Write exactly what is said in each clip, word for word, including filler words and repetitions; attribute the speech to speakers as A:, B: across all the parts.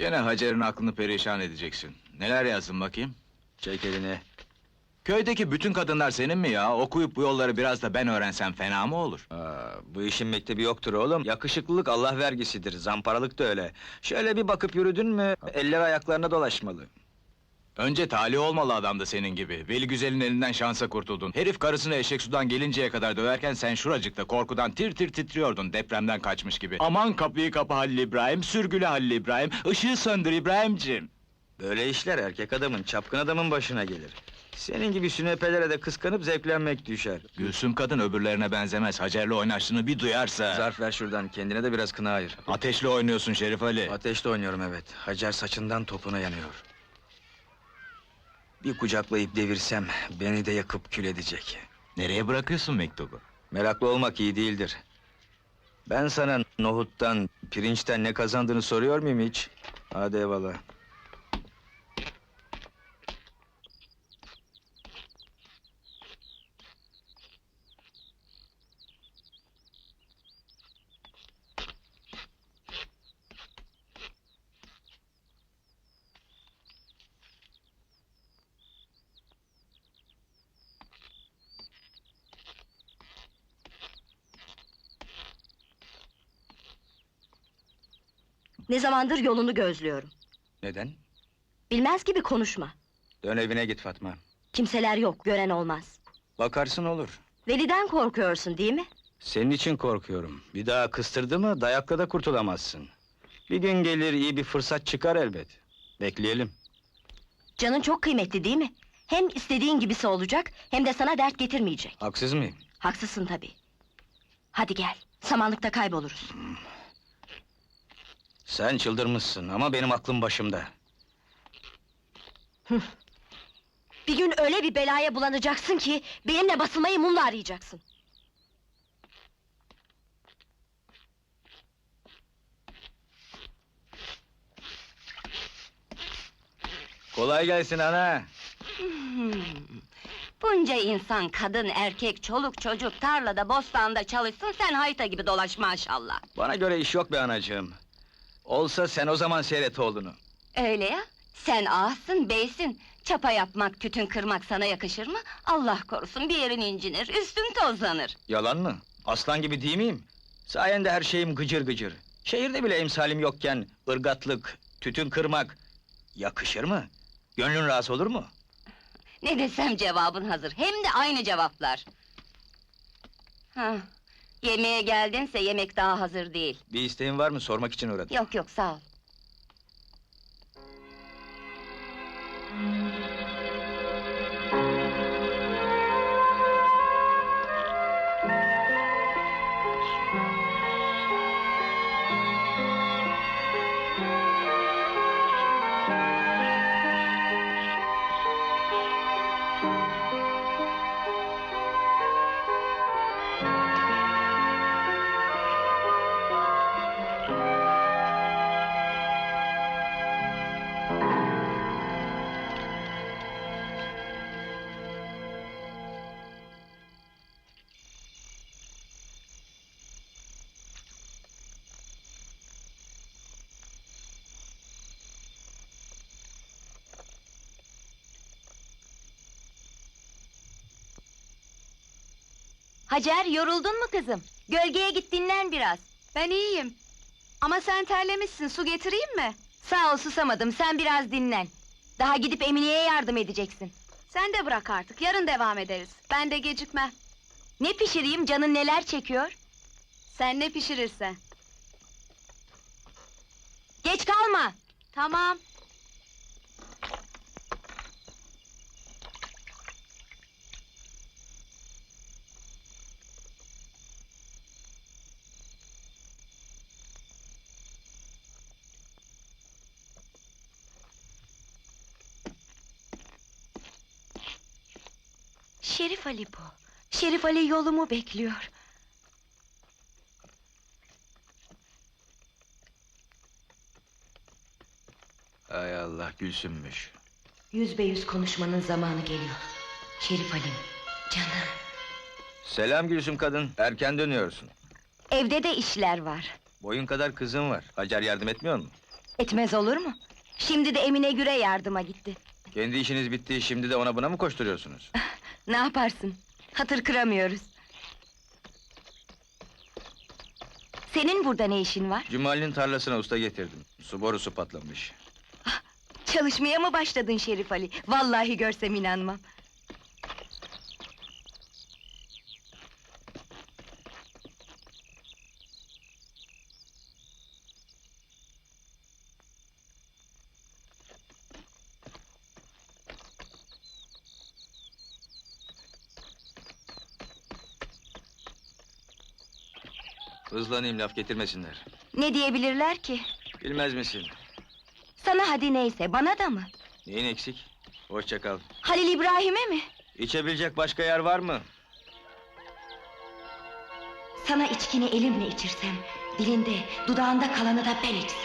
A: Gene Hacer'in aklını perişan edeceksin. Neler yazdın bakayım?
B: Çek elini.
A: Köydeki bütün kadınlar senin mi ya? Okuyup bu yolları biraz da ben öğrensem fena mı olur?
B: Aa, bu işin mektebi yoktur oğlum. Yakışıklılık Allah vergisidir, zamparalık da öyle. Şöyle bir bakıp yürüdün mü, eller ayaklarına dolaşmalı.
A: Önce talih olmalı adam da senin gibi. Veli Güzel'in elinden şansa kurtuldun. Herif karısını eşek sudan gelinceye kadar döverken sen şuracıkta korkudan tir tir titriyordun depremden kaçmış gibi. Aman kapıyı kapa Halil İbrahim, sürgüle Halil İbrahim, ışığı söndür İbrahimciğim.
B: Böyle işler erkek adamın, çapkın adamın başına gelir. Senin gibi sünepelere de kıskanıp zevklenmek düşer.
A: Gülsüm kadın öbürlerine benzemez. Hacer'le oynaştığını bir duyarsa...
B: Zarf ver şuradan, kendine de biraz kına ayır.
A: Ateşle oynuyorsun Şerif Ali.
B: Ateşte oynuyorum evet. Hacer saçından topuna yanıyor. Bir kucaklayıp devirsem, beni de yakıp kül edecek.
A: Nereye bırakıyorsun mektubu?
B: Meraklı olmak iyi değildir. Ben sana nohuttan, pirinçten ne kazandığını soruyor muyum hiç? Hadi eyvallah.
C: Ne zamandır yolunu gözlüyorum.
B: Neden?
C: Bilmez gibi konuşma.
B: Dön evine git Fatma.
C: Kimseler yok, gören olmaz.
B: Bakarsın olur.
C: Veli'den korkuyorsun değil mi?
B: Senin için korkuyorum. Bir daha kıstırdı mı dayakla da kurtulamazsın. Bir gün gelir iyi bir fırsat çıkar elbet. Bekleyelim.
C: Canın çok kıymetli değil mi? Hem istediğin gibisi olacak, hem de sana dert getirmeyecek.
B: Haksız mıyım?
C: Haksızsın tabii. Hadi gel, samanlıkta kayboluruz.
B: Sen çıldırmışsın ama benim aklım başımda.
C: Bir gün öyle bir belaya bulanacaksın ki... ...benimle basılmayı mumla arayacaksın.
B: Kolay gelsin ana.
D: Hmm. Bunca insan, kadın, erkek, çoluk, çocuk, tarlada, bostanda çalışsın, sen hayta gibi dolaş maşallah.
B: Bana göre iş yok be anacığım. Olsa sen o zaman seyret oğlunu.
D: Öyle ya, sen ağasın, beysin. Çapa yapmak, tütün kırmak sana yakışır mı? Allah korusun, bir yerin incinir, üstün tozlanır.
B: Yalan mı? Aslan gibi değil miyim? Sayende her şeyim gıcır gıcır. Şehirde bile emsalim yokken ırgatlık, tütün kırmak yakışır mı? Gönlün rahatsız olur mu?
D: Ne desem cevabın hazır, hem de aynı cevaplar. Hah, yemeğe geldinse yemek daha hazır değil.
B: Bir isteğin var mı? Sormak için uğradım.
D: Yok yok, sağ ol.
C: Hacer, yoruldun mu kızım? Gölgeye git dinlen biraz.
E: Ben iyiyim. Ama sen terlemişsin, su getireyim mi?
C: Sağ ol, susamadım, sen biraz dinlen. Daha gidip Emine'ye yardım edeceksin.
E: Sen de bırak artık, yarın devam ederiz. Ben de gecikmem.
C: Ne pişireyim, canın neler çekiyor?
E: Sen ne pişirirsen.
C: Geç kalma!
E: Tamam.
C: Şerif Ali bu. Şerif Ali yolumu bekliyor.
B: Hay Allah, Gülsümmüş.
C: Yüz be yüz konuşmanın zamanı geliyor. Şerif Ali'm, canım.
B: Selam Gülsüm kadın, erken dönüyorsun.
C: Evde de işler var.
B: Boyun kadar kızın var. Hacer yardım etmiyor mu?
C: Etmez olur mu? Şimdi de Emine Güre yardıma gitti.
B: Kendi işiniz bitti, şimdi de ona buna mı koşturuyorsunuz?
C: Ne yaparsın? Hatır kıramıyoruz. Senin burada ne işin var?
B: Cumali'nin tarlasına usta getirdim. Su borusu patlamış.
C: Çalışmaya mı başladın Şerif Ali? Vallahi görsem inanmam.
B: Hızlanayım, laf getirmesinler.
C: Ne diyebilirler ki?
B: Bilmez misin?
C: Sana hadi neyse, bana da mı?
B: Neyin eksik? Hoşça kal.
C: Halil İbrahim'e mi?
B: İçebilecek başka yer var mı?
C: Sana içkini elimle içirsem, dilinde, dudağında kalanı da ben içsem.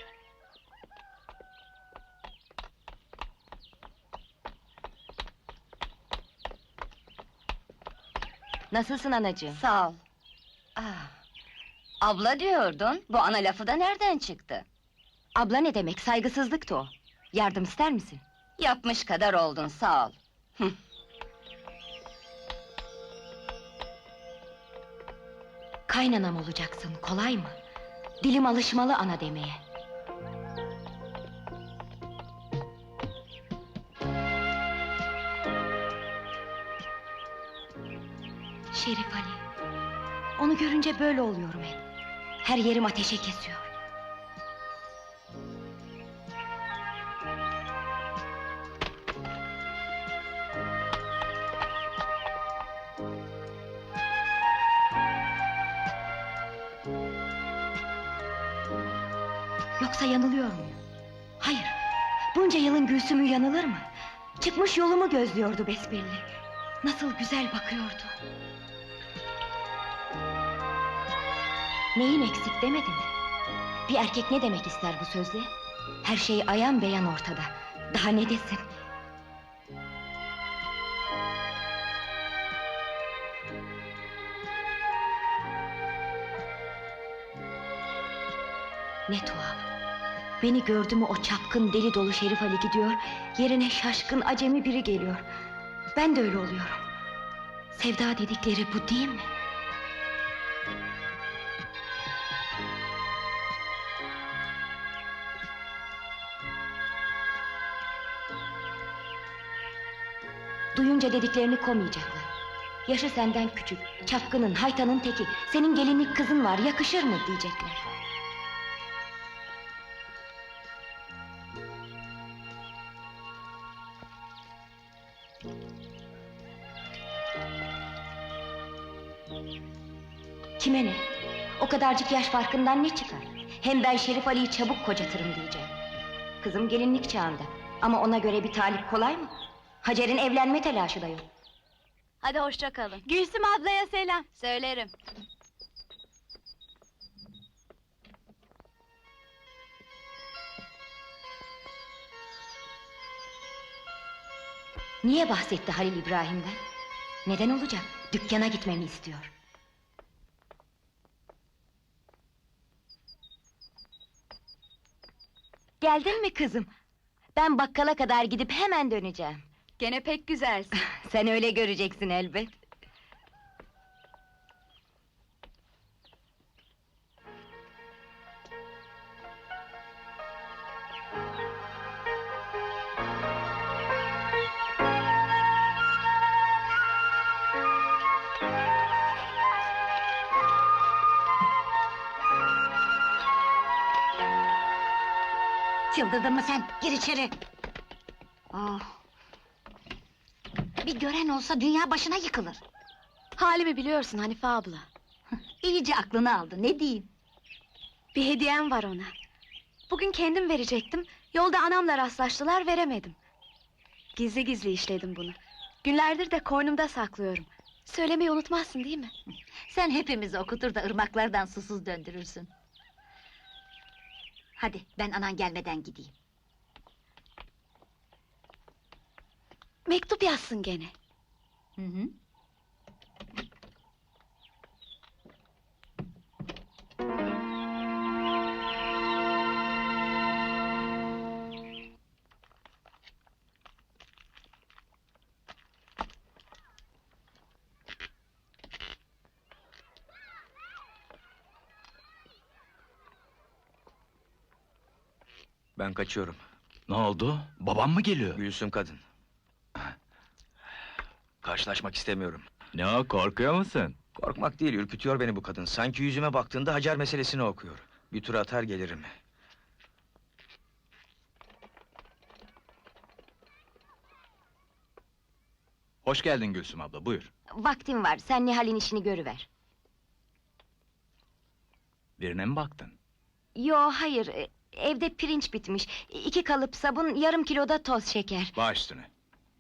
C: Nasılsın anacığım?
D: Sağ ol. Ah, abla diyordun, bu ana lafı da nereden çıktı?
C: Abla ne demek, saygısızlıktı o. Yardım ister misin?
D: Yapmış kadar oldun, sağ ol.
C: Kaynanam olacaksın, kolay mı? Dilim alışmalı ana demeye. Şerif Ali, onu görünce böyle oluyorum hep. Her yerim ateşe kesiyor. Yoksa yanılıyor muyum? Hayır, bunca yılın Gülsüm'ü yanılır mı? Çıkmış yolumu gözlüyordu besbelli. Nasıl güzel bakıyordu. Neyin eksik demedin mi? Bir erkek ne demek ister bu sözle? Her şey ayan beyan ortada. Daha ne desin? Ne tuhaf. Beni gördü mü o çapkın deli dolu Şerif Ali gidiyor, yerine şaşkın acemi biri geliyor. Ben de öyle oluyorum. Sevda dedikleri bu değil mi? Duyunca dediklerini komayacaklar. Yaşı senden küçük, çapkının, haytanın teki, senin gelinlik kızın var, yakışır mı diyecekler. Kime ne? O kadarcık yaş farkından ne çıkar? Hem ben Şerif Ali'yi çabuk kocatırım diyeceğim. Kızım gelinlik çağında. Ama ona göre bir talip kolay mı? Hacer'in evlenme telaşı da yok.
E: Hadi hoşça kalın. Gülsüm ablaya selam. Söylerim.
C: Niye bahsetti Halil İbrahim'den? Neden olacak? Dükkana gitmemi istiyor. Geldin mi kızım? Ben bakkala kadar gidip hemen döneceğim.
E: Gene pek güzelsin.
C: Sen öyle göreceksin elbet.
F: Çıldırdın mı sen? Gir içeri! Oh. Bir gören olsa dünya başına yıkılır.
E: Halimi biliyorsun Hanife abla.
F: İyice aklını aldı, ne diyeyim?
E: Bir hediyem var ona. Bugün kendim verecektim. Yolda anamla rastlaştılar, veremedim. Gizli gizli işledim bunu. Günlerdir de koynumda saklıyorum. Söylemeyi unutmazsın değil mi?
F: Sen hepimizi okutur da ırmaklardan susuz döndürürsün. Hadi, ben anan gelmeden gideyim.
E: Mektup yazsın gene.
F: Hı hı.
B: Ben kaçıyorum.
A: Ne oldu? Babam mı geliyor?
B: Gülsüm kadın. Karşılaşmak istemiyorum.
A: Ne o, korkuyor musun?
B: Korkmak değil, ürkütüyor beni bu kadın. Sanki yüzüme baktığında Hacer meselesini okuyor. Bir tur atar gelirim.
A: Hoş geldin Gülsüm abla, buyur.
C: Vaktim var, sen Nihal'in işini görüver.
A: Birine mi baktın?
C: Yo, hayır, e, evde pirinç bitmiş. İki kalıp sabun, yarım kiloda toz şeker.
A: Baş üstüne.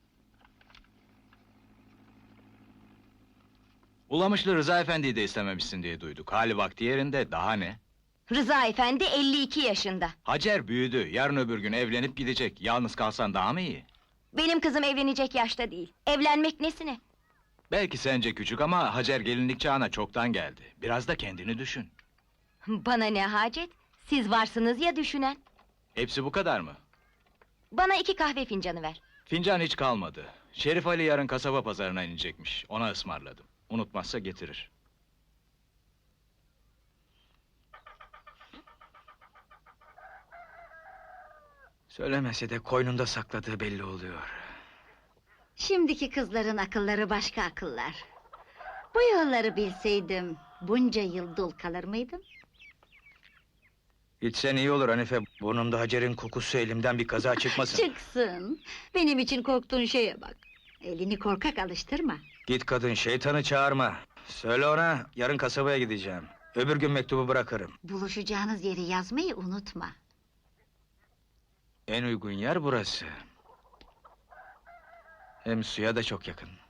A: Ulamışlı Rıza Efendi'yi de istememişsin diye duyduk. Hali vakti yerinde, daha ne?
C: Rıza efendi elli iki yaşında.
A: Hacer büyüdü, yarın öbür gün evlenip gidecek. Yalnız kalsan daha mı iyi?
C: Benim kızım evlenecek yaşta değil. Evlenmek nesine?
A: Belki sence küçük ama Hacer gelinlik çağına çoktan geldi. Biraz da kendini düşün.
C: Bana ne hacet? Siz varsınız ya düşünen.
A: Hepsi bu kadar mı?
C: Bana iki kahve fincanı ver.
A: Fincan hiç kalmadı. Şerif Ali yarın kasaba pazarına inecekmiş. Ona ısmarladım. Unutmazsa getirir.
B: Söylemese de koynunda sakladığı belli oluyor.
F: Şimdiki kızların akılları başka akıllar. Bu yolları bilseydim bunca yıl dul kalır mıydım?
B: Gitsen iyi olur Hanife. Burnumda Hacer'in kokusu, elimden bir kaza çıkmasın.
F: Çıksın. Benim için korktuğun şeye bak. Elini korkak alıştırma.
B: Git kadın, şeytanı çağırma. Söyle ona, yarın kasabaya gideceğim. Öbür gün mektubu bırakırım.
F: Buluşacağınız yeri yazmayı unutma.
B: En uygun yer burası. Hem suya da çok yakın.